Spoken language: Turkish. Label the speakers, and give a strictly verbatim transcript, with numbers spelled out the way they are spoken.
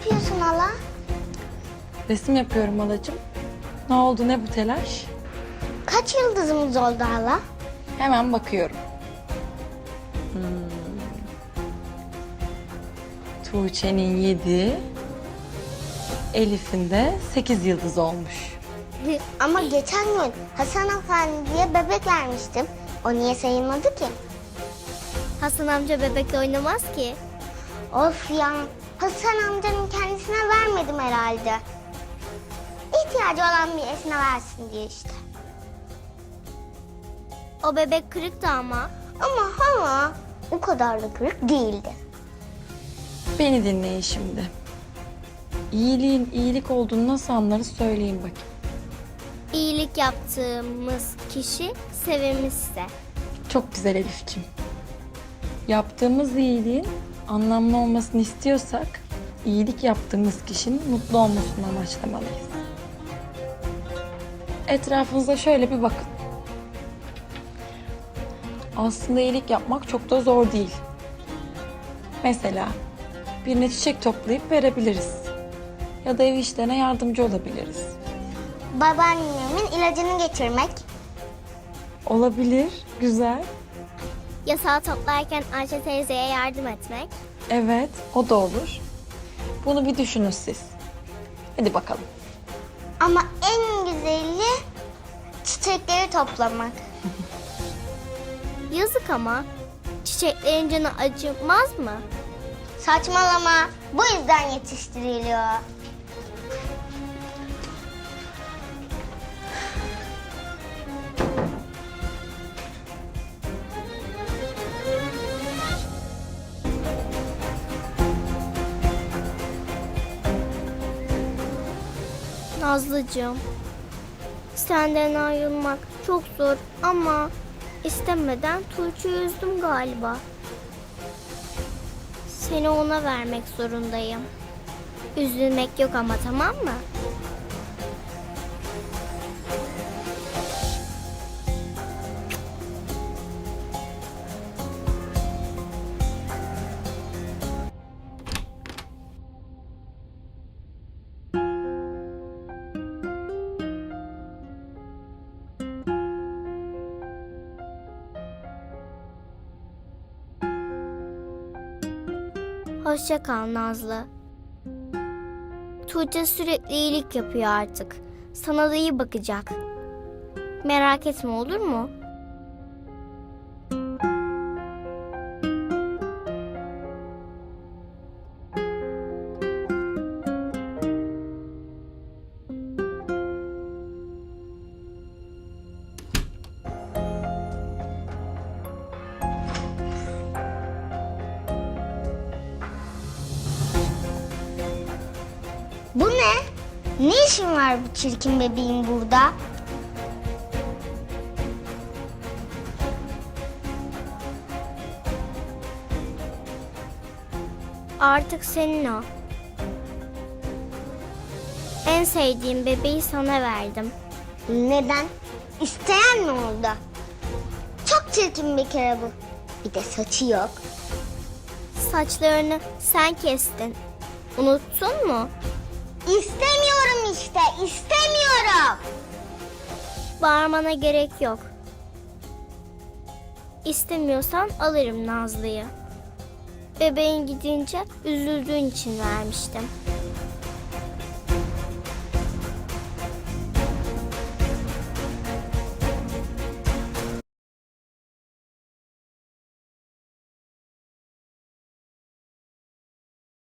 Speaker 1: yapıyorsun hala?
Speaker 2: Resim yapıyorum halacığım. Ne oldu, ne bu telaş?
Speaker 1: Kaç yıldızımız oldu hala?
Speaker 2: Hemen bakıyorum. Hmm. Tuğçe'nin yedi, Elif'in de sekiz yıldız olmuş.
Speaker 1: Ama geçen gün Hasan Efendi'ye bebek vermiştim. O niye sayılmadı ki?
Speaker 3: Hasan amca bebekle oynamaz ki.
Speaker 1: Of ya, Hasan amcanın kendisine vermedim herhalde. İhtiyacı olan birisine versin diye işte.
Speaker 3: O bebek kırıktı ama.
Speaker 1: Ama hala o kadar da kırık değildi.
Speaker 2: Beni dinleyin şimdi. İyiliğin iyilik olduğunu nasıl anlarız söyleyin bakayım.
Speaker 3: İyilik yaptığımız kişi sevimliyse.
Speaker 2: Çok güzel Elif'ciğim. Yaptığımız iyiliğin anlamlı olmasını istiyorsak iyilik yaptığımız kişinin mutlu olmasını amaçlamalıyız. Etrafınıza şöyle bir bakın. Aslında iyilik yapmak çok da zor değil. Mesela birine çiçek toplayıp verebiliriz. Ya da ev işlerine yardımcı olabiliriz.
Speaker 1: Babaannemin ilacını getirmek.
Speaker 2: Olabilir, güzel.
Speaker 3: Yasağı toplarken Ayşe teyzeye yardım etmek.
Speaker 2: Evet, o da olur. Bunu bir düşünün siz. Hadi bakalım.
Speaker 1: Ama en güzeli çiçekleri toplamak.
Speaker 3: Yazık ama. Çiçeklerin canı acımaz mı?
Speaker 1: Saçmalama. Bu yüzden yetiştiriliyor.
Speaker 3: Nazlıcığım, senden ayrılmak çok zor ama istemeden Tuğçe'yi üzdüm galiba. Seni ona vermek zorundayım. Üzülmek yok ama, tamam mı? Hoşça kal Nazlı. Tuğçe sürekli iyilik yapıyor artık. Sana da iyi bakacak. Merak etme, olur mu?
Speaker 1: Bu ne? Ne işin var bu çirkin bebeğin burada?
Speaker 3: Artık senin o. En sevdiğim bebeği sana verdim.
Speaker 1: Neden? İsteyen mi oldu? Çok çirkin bir kere bu. Bir de saçı yok.
Speaker 3: Saçlarını sen kestin. Unuttun mu?
Speaker 1: İstemiyorum işte, istemiyorum.
Speaker 3: Bağırmana gerek yok. İstemiyorsan alırım Nazlı'yı. Bebeğin gidince üzüldüğün için vermiştim.